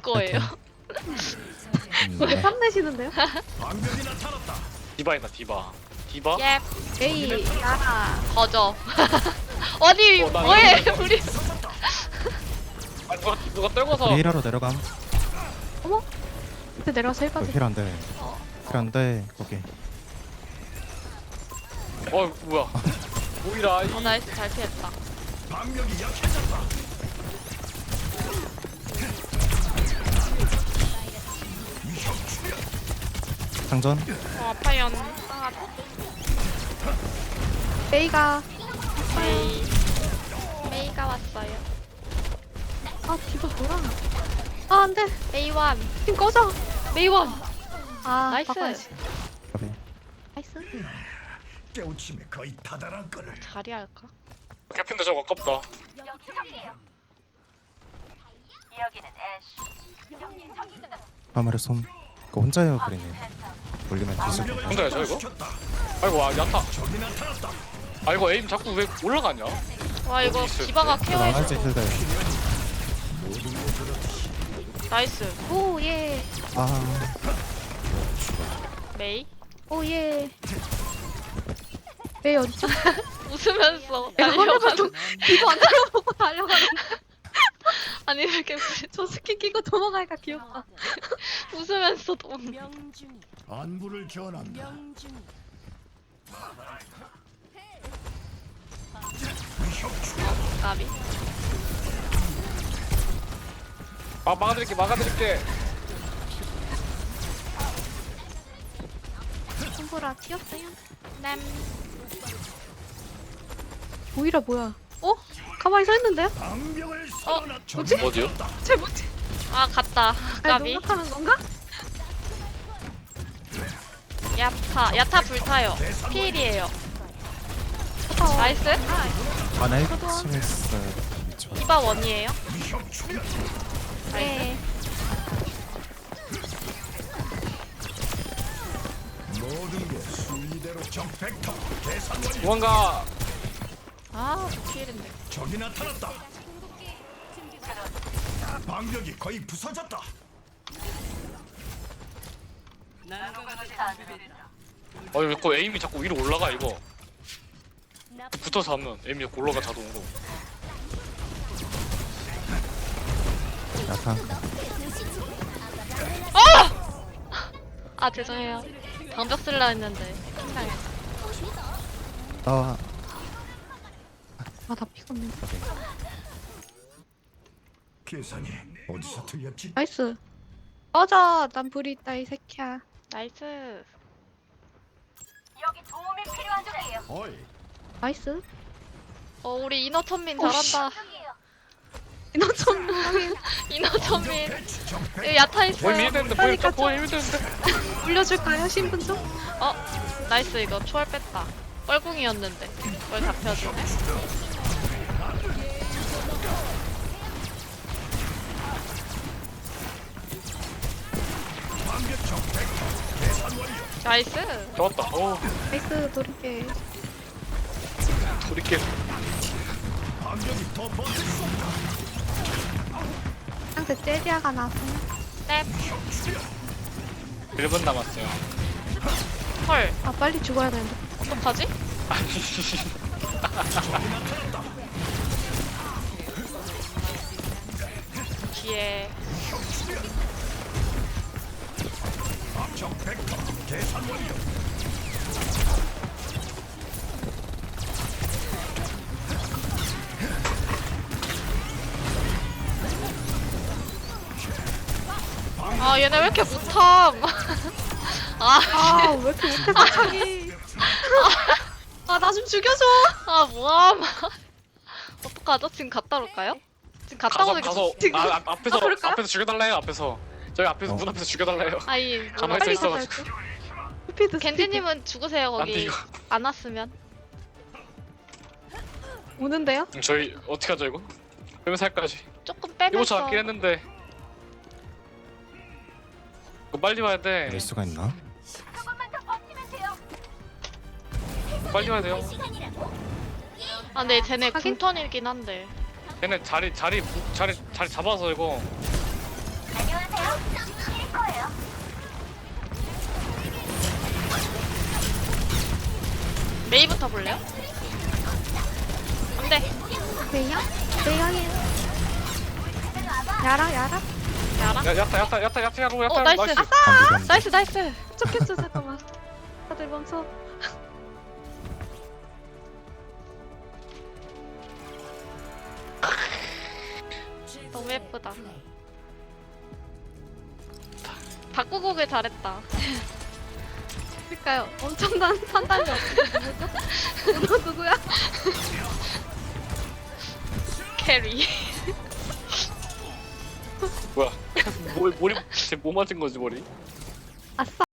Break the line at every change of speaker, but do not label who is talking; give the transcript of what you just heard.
거예요.
왜 탐내시는데요?
디바 있다 디바. 디바?
예.
에이 나라
거저. 아니
나
뭐해
이거
우리.
아 누가 떨궈서.
A라로 내려감.
어머? 근데 내려가서 힐까지
힐 안돼. 힐 안돼. 거기.
뭐야? 오이라 이.
나이스 잘 피했다.
장전.
아파요.
메이가
메이가 왔어요.
아 디바 뭐야 아 안돼
메이원.
팀 꺼져
메이원.
아
나이스.
바꿔야지.
거기.
나이스
깨우침에 거의 다다란 거를.
자리 할까?
캡틴도 저거 아깝다.
화물에 손. 그거 혼자예요 그리네. 올리면 뒤질 것 같아.
혼자야 저 이거? 아이고 야타. 아이고 에임 자꾸 왜 올라가냐?
와 이거
있을
디바가
나가야지
케어해줘.
힐들.
나이스.
오예
아.
메이.
오예 메이 어디죠?
웃으면서
내가
달려가는.
화면을 디바 안 달려보고 달려가는
아니 왜 이렇게
저 스킨 끼고 도망가니까 귀엽다
웃으면서 도.
안부를 전한다.
나비.
막아드릴게.
손보라 튀었어요
남.
오히려 뭐야 어? 가만히 서 있는데요?
방벽을
뭐지?
어디요?
쟤 뭐지?
아 갔다.
아니
나비.
농락하는 건가?
야타 불타요. 피일이에요. 나이스.
안에 스미스. 미쳐.
디바 원이에요.
네
모든 게 순리대로 적백터 계산 완료.
도망가.
아저 피일인데.
적이 나타났다. 방벽이 거의 부서졌다.
아니 왜그 에임이 자꾸 위로 올라가 이거. 붙어서 하면 에임이 자꾸 올라가 자동으로.
야타.
아 죄송해요. 방벽 쓸라 했는데.
나와.
아다 피곤해
거기.
계산이 어디서 틀렸지?
나이스 꺼져 난 불이 있다 이 새끼야
나이스.
어이,
나이스
우리 인어 천민
오, 씨.
잘한다.
이너 좀
인어 천민.
배치 적백.
여기 야타
보임
있어요.
밀대는데
그러니까
보임 밀대는데.
올려줄까요 신분 좀?
나이스 이거 초월 뺐다. 뻘궁이었는데 뭘 잡혀주네.
방벽 적백터 계산 완료.
나이스.
좋았다.
나이스 도리게
돌이킬.
방벽이 더 버틸 수 없다.
상대 젤리아가 나왔어요
넵.
1분 남았어요.
헐.
아 빨리 죽어야 되는데
어떡하지? 뒤에
적백터 계산 완료.
얘네 왜 이렇게 못함.
아 왜 이렇게 못해 갑자기 아 나 좀 죽여줘
뭐함. 어떡하죠? 지금 갔다 올까요? 지금 갔다 오는 게
가서
지금-
앞에서
그럴까요?
앞에서 죽여달래요 앞에서. 저희 앞에서 문 앞에서 죽여달래요.
아이
가만히
빨리
서
가자
있어가지고.
스피드
겐지님은 죽으세요
안돼
거기.
이거.
안 왔으면.
오는데요?
저희 어떻게 하죠 이거? 빼면 살까지.
조금
이거
빼면서.
잡긴 했는데. 이거 빨리 와야 돼.
낼 수가 있나?
빨리 와야 돼요.
근데 쟤네
하긴?
궁턴이긴 한데.
걔네 자리 잡아서 이거.
메이부터 볼래요? 안돼.
메이야? 메이야게. 야라 야라.
야라.
야 야타 야로 야타.
나이스.
안 되겠네.
나이스.
쫓겠어 잠깐만. 다들 멈춰.
너무 예쁘다. 바꾸고 오길 잘했다.
그러니까요. 엄청난 판단이 누구죠? 누구야?
캐리.
뭐야? 머리 쟤뭐 맞은 거지 머리?
아싸.